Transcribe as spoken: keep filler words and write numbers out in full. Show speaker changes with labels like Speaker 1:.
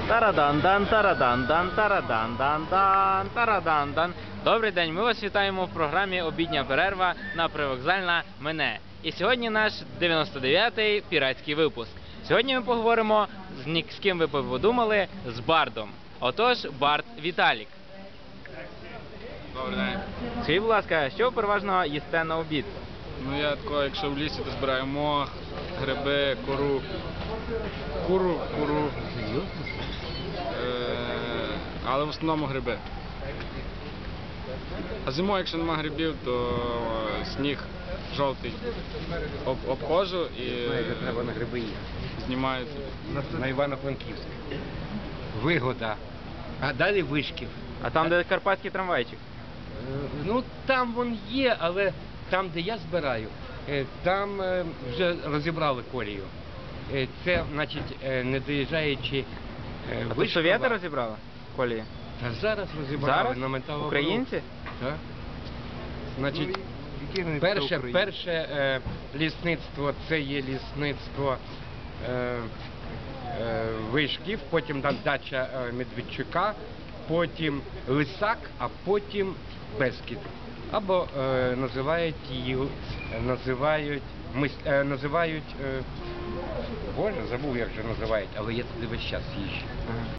Speaker 1: Тарадан-дан, тарадан-дан, тарадан-дан-дан, тарадан-дан. Добрий день, ми вас вітаємо в програмі «Обідня перерва» на Привокзальна Мене. І сьогодні наш дев'яносто дев'ятий піратський випуск. Сьогодні ми поговоримо з ні з ким ви подумали, з Бардом. Отож, Бард Віталік.
Speaker 2: Добрий день.
Speaker 1: Скажіть, будь ласка, що ви переважно їсте на обід?
Speaker 2: Ну я тако, якщо в лісі, то збираю мох, гриби, кору. Куру, куру. Е, але в основному гриби. А зимою, якщо нема грибів, то сніг жовтий об, обходжу і
Speaker 3: Знаєте, треба на гриби їхати.
Speaker 2: знімаю.
Speaker 3: На Івано-Франківськ. Вигода. А далі Вишків.
Speaker 1: А там, де карпатський трамвайчик?
Speaker 3: Е, Ну, там він є, але там, де я збираю, е, там е, вже розібрали колію. Е, Це, значить, е, не доїжджаючи е,
Speaker 1: А тут
Speaker 3: Вишкова.
Speaker 1: совєти розібрали колії?
Speaker 3: Та зараз розібрали
Speaker 1: Зараз?
Speaker 3: на металобрухт.
Speaker 1: Українці?
Speaker 3: Так. Значить, перше, перше е, лісництво це є лісництво е, е, Вишків, потім там дача е, Медведчука, потім Лисак, а потім Бескід. Або е, називають її, називають, мис, е, називають, е, боже, забув як же називають, але я туди весь час їжджу.
Speaker 1: Ага.